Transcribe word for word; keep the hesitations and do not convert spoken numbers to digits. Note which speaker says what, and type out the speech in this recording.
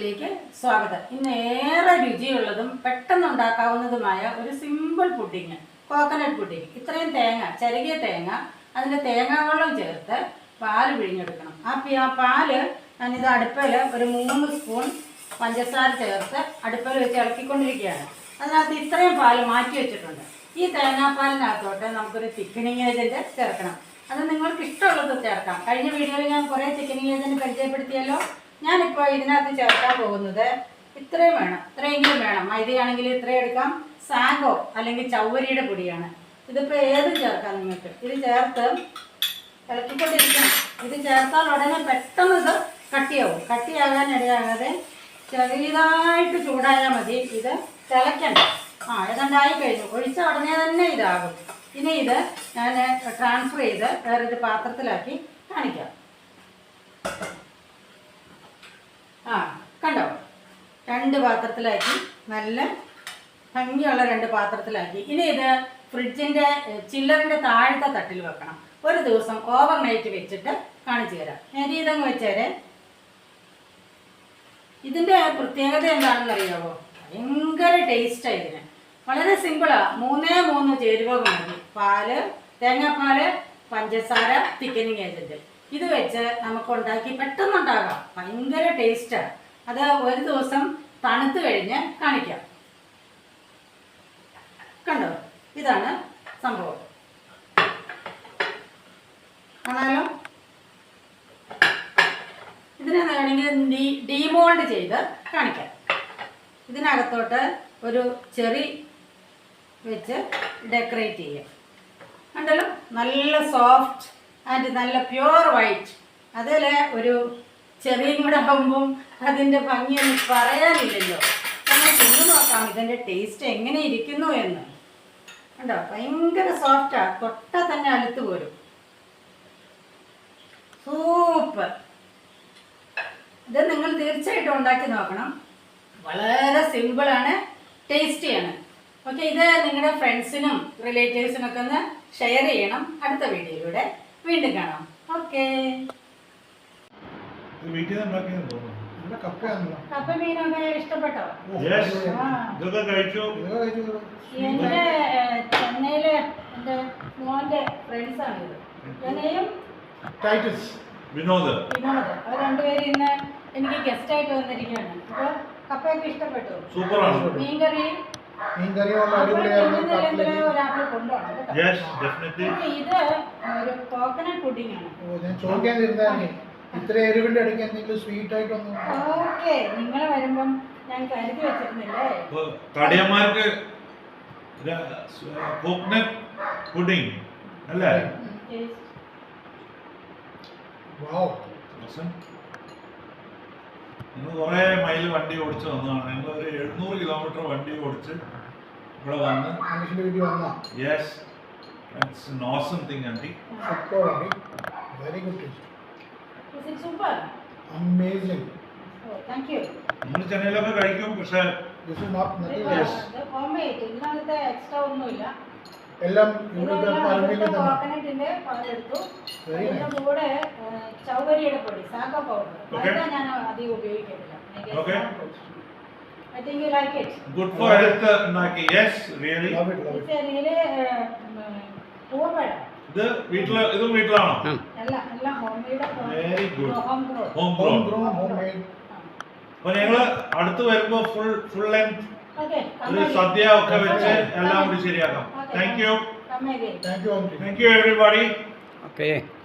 Speaker 1: വീഡിയോയിലേക്ക് സ്വാഗതം. ഇന്ന് ഏറെ രുചിയുള്ളതും പെട്ടെന്ന് ഉണ്ടാക്കാവുന്നതുമായ ഒരു സിമ്പിൾ പുഡിങ്, കോക്കനട്ട് പുഡിങ്. ഇത്രയും തേങ്ങ, ചിരകിയ തേങ്ങ, അതിൻ്റെ തേങ്ങാവെള്ളം ചേർത്ത് പാല് പിഴിഞ്ഞെടുക്കണം. ആ ആ പാല് ഞാനിത് അടുപ്പിൽ ഒരു മൂന്ന് സ്പൂൺ പഞ്ചസാര ചേർത്ത് അടുപ്പിൽ വെച്ച് ഇളക്കിക്കൊണ്ടിരിക്കുകയാണ്. അതിനകത്ത് ഇത്രയും പാല് മാറ്റി വെച്ചിട്ടുണ്ട്. ഈ തേങ്ങാപ്പാലിനകത്തോട്ട് നമുക്കൊരു തിക്കനിങ് ഏജൻറ്റ് ചേർക്കണം. അത് നിങ്ങൾക്ക് ഇഷ്ടമുള്ളത് ചേർക്കാം. കഴിഞ്ഞ വീഡിയോയിൽ ഞാൻ കുറേ തിക്കനിങ് ഏജൻറ്റ് പരിചയപ്പെടുത്തിയല്ലോ. ഞാനിപ്പോൾ ഇതിനകത്ത് ചേർക്കാൻ പോകുന്നത് ഇത്രയും വേണം, ഇത്രയെങ്കിലും വേണം. മൈദയാണെങ്കിൽ ഇത്രയും എടുക്കാം. സാഗോ അല്ലെങ്കിൽ ചവ്വരിയുടെ പൊടിയാണ്. ഇതിപ്പോൾ ഏതും ചേർക്കാം നിങ്ങൾക്ക്. ഇത് ചേർത്ത് ഇളക്കിക്കൊണ്ടിരിക്കണം. ഇത് ചേർത്താൽ ഉടനെ പെട്ടെന്ന് ഇത് കട്ടിയാവും. കട്ടിയാകാൻ ഇടയാകാതെ ചെറിയതായിട്ട് ചൂടായാൽ മതി. ഇത് തിളയ്ക്കണ്ട. ആ ഏതാണ്ടായി കഴിഞ്ഞു. ഒഴിച്ച ഉടനെ തന്നെ ഇതാകും. ഇനി ഇത് ഞാൻ ട്രാൻസ്ഫർ ചെയ്ത് വേറൊരു പാത്രത്തിലാക്കി കാണിക്കാം. ആ കണ്ടോ, രണ്ട് പാത്രത്തിലാക്കി, നല്ല ഭംഗിയുള്ള രണ്ട് പാത്രത്തിലാക്കി. ഇനി ഇത് ഫ്രിഡ്ജിൻ്റെ ചില്ലറിൻ്റെ താഴത്തെ തട്ടിൽ വെക്കണം. ഒരു ദിവസം ഓവർ നൈറ്റ് വെച്ചിട്ട് കാണിച്ചു തരാം. ഞാൻ ഇതങ്ങ് വെച്ചേരെ. ഇതിൻ്റെ പ്രത്യേകത എന്താണെന്ന് അറിയാമോ? ഭയങ്കര ടേസ്റ്റാണ് ഇതിന്. വളരെ സിമ്പിളാണ്. മൂന്നേ മൂന്ന് ചേരുവകൾ മതി. പാല്, തേങ്ങാപ്പാല്, പഞ്ചസാര, തിക്കനിങ് ഏജൻറ്റ്. ഇത് വെച്ച് നമുക്ക് ഉണ്ടാക്കി പെട്ടെന്നുണ്ടാകാം. ഭയങ്കര ടേസ്റ്റാണ്. അത് ഒരു ദിവസം തണുത്ത് കഴിഞ്ഞ് കാണിക്കാം. കണ്ടോ, ഇതാണ് സംഭവം. ആണല്ലോ. ഇതിനെ വേണമെങ്കിൽ ഡീമോൾഡ് ചെയ്ത് കാണിക്കാം. ഇതിനകത്തോട്ട് ഒരു ചെറി വെച്ച് ഡെക്കറേറ്റ് ചെയ്യാം. കണ്ടല്ലോ, നല്ല സോഫ്റ്റ് ആൻഡ് നല്ല പ്യുവർ വൈറ്റ്. അതിൽ ഒരു ചെറിയും കൂടെ ആകുമ്പം അതിൻ്റെ ഭംഗിയൊന്നും പറയാനില്ലല്ലോ. നമ്മൾ തിന്നു നോക്കാം ഇതിൻ്റെ ടേസ്റ്റ് എങ്ങനെ ഇരിക്കുന്നു എന്ന്. കണ്ടോ, ഭയങ്കര സോഫ്റ്റാണ്. തൊട്ടാൽ തന്നെ അലുത്ത് പോരും. സൂപ്പർ. ഇത് നിങ്ങൾ തീർച്ചയായിട്ടും ഉണ്ടാക്കി നോക്കണം. വളരെ സിമ്പിളാണ്, ടേസ്റ്റിയാണ്. ഓക്കെ, ഇത് നിങ്ങളുടെ ഫ്രണ്ട്സിനും റിലേറ്റീവ്സിനൊക്കെ ഒന്ന് ഷെയർ ചെയ്യണം. അടുത്ത വീഡിയോയിലൂടെ വീണ്ടും കാണാം. ഓക്കെ. കപ്പ മീനൊക്കെ ഇഷ്ടപ്പെട്ടോ? എന്റെ ചെന്നൈയിലെ എന്റെ മോന്റെ ഫ്രണ്ട്സാണ് ഇത്. ചെന്നൈയും വിനോദ് വിനോദ് അവർ രണ്ടുപേരും ഇന്ന് എനിക്ക് ഗസ്റ്റ് ആയിട്ട് വന്നിരിക്കുകയാണ്. അപ്പൊ കപ്പയൊക്കെ ഇഷ്ടപ്പെട്ടു. മീൻകറി ഒരാൾക്ക് കൊണ്ടുപോകണം. ഇത് ഒരു കോക്കനട്ട് പുഡിംഗ് ആണ്.
Speaker 2: ഇത്ര എരിവിന്റെ ഇടയ്ക്ക് എന്തെങ്കിലും സ്വീറ്റ് ആയിട്ടൊന്നും.
Speaker 1: ഓക്കെ, നിങ്ങൾ വരുമ്പം ഞാൻ കരുതി വെച്ചിരുന്നില്ലേ
Speaker 3: കടിയന്മാർക്ക് കോക്കനട്ട് പുഡിംഗ് അല്ലേ? നിങ്ങൾ കുറേ മൈൽ വണ്ടി ഓടിച്ച് വന്നതാണ്. ഞങ്ങൾ ഒരു എഴുന്നൂറ് കിലോമീറ്റർ വണ്ടി ഓടിച്ച് ഇവിടെ വന്ന് yes it's an awesome thing aunty.
Speaker 2: Very good taste.
Speaker 1: Is it super?
Speaker 2: Amazing.
Speaker 1: Oh, thank you.
Speaker 3: നമ്മൾ ചെന്നൈയിലൊക്കെ കഴിക്കും, പക്ഷേ
Speaker 2: this is not nothing
Speaker 1: else. The homemade, ഇതിനകത്ത് എക്സ്ട്രാ ഒന്നുമില്ല.
Speaker 2: എല്ലാം ഇവിടുത്തെ പറമ്പിൽ തന്നെ.
Speaker 1: കോക്കനട്ടിന്റെ പാലെടുത്തു. അതിന്റെ കൂടെ ചൗവരിയുടെ പൊടി, സാഗോ പൗഡർ. അതാ ഞാൻ അധികം ഉപയോഗിക്കുന്നില്ല. I think you like it.
Speaker 3: Good for health, Naki. Yes, really.
Speaker 2: Love it, love it.
Speaker 1: It's a really പൂവപ്പഴ.
Speaker 3: ഇത് വീട്ടില് ഇതും വീട്ടിലാണോ?
Speaker 1: അല്ല, എല്ലാം homemade.
Speaker 3: Very good.
Speaker 1: Home grown.
Speaker 3: Home grown.
Speaker 2: Home made.
Speaker 3: അപ്പോൾ ഞങ്ങൾ അടുത്ത് വരുമ്പോൾ ഫുൾ ഫുൾ ലെങ്ത്
Speaker 1: ഓക്കേ.
Speaker 3: ഒരു സദ്യ ഒക്കെ വെച്ച് എല്ലാം കൂടി ശരിയാക്കാം. Thank you.
Speaker 1: Come again.
Speaker 2: Thank you.
Speaker 3: Thank you everybody.
Speaker 4: Okay.